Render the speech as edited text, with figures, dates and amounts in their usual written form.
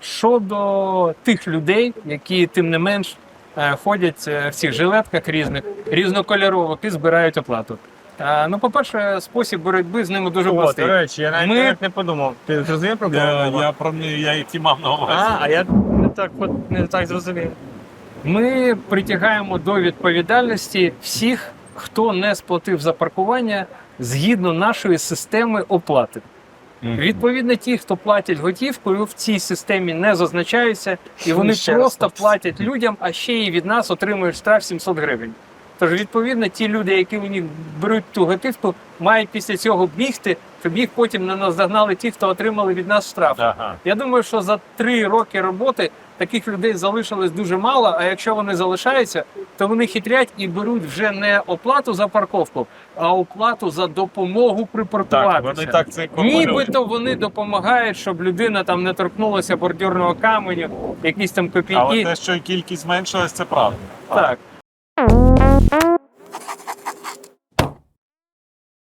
щодо тих людей, які тим не менш ходять в цих жилетках різних, різнокольорових і збирають оплату. Ну, по-перше, спосіб боротьби з ними дуже простий. До речі, я навіть не подумав. Ти зрозумів про кого? Я і ті мав на увазі. А я не так зрозумів. Ми притягаємо до відповідальності всіх, хто не сплатив за паркування згідно нашої системи оплати. Відповідно, ті, хто платять готівкою, в цій системі не зазначаються, і вони просто платять людям, а ще й від нас отримують штраф 700 гривень. Тож, відповідно, ті люди, які у них беруть ту готівку, мають після цього бігти, щоб їх потім не наздогнали ті, хто отримали від нас штраф. Ага. Я думаю, що за 3 роки роботи таких людей залишилось дуже мало, а якщо вони залишаються, то вони хитрять і беруть вже не оплату за парковку, а оплату за допомогу припаркуватися. Так, вони так це інкорпорують. Нібито вони допомагають, щоб людина там не торкнулася бордюрного каменю, якісь там копійки. Але те, що кількість зменшилась, це правда. Так.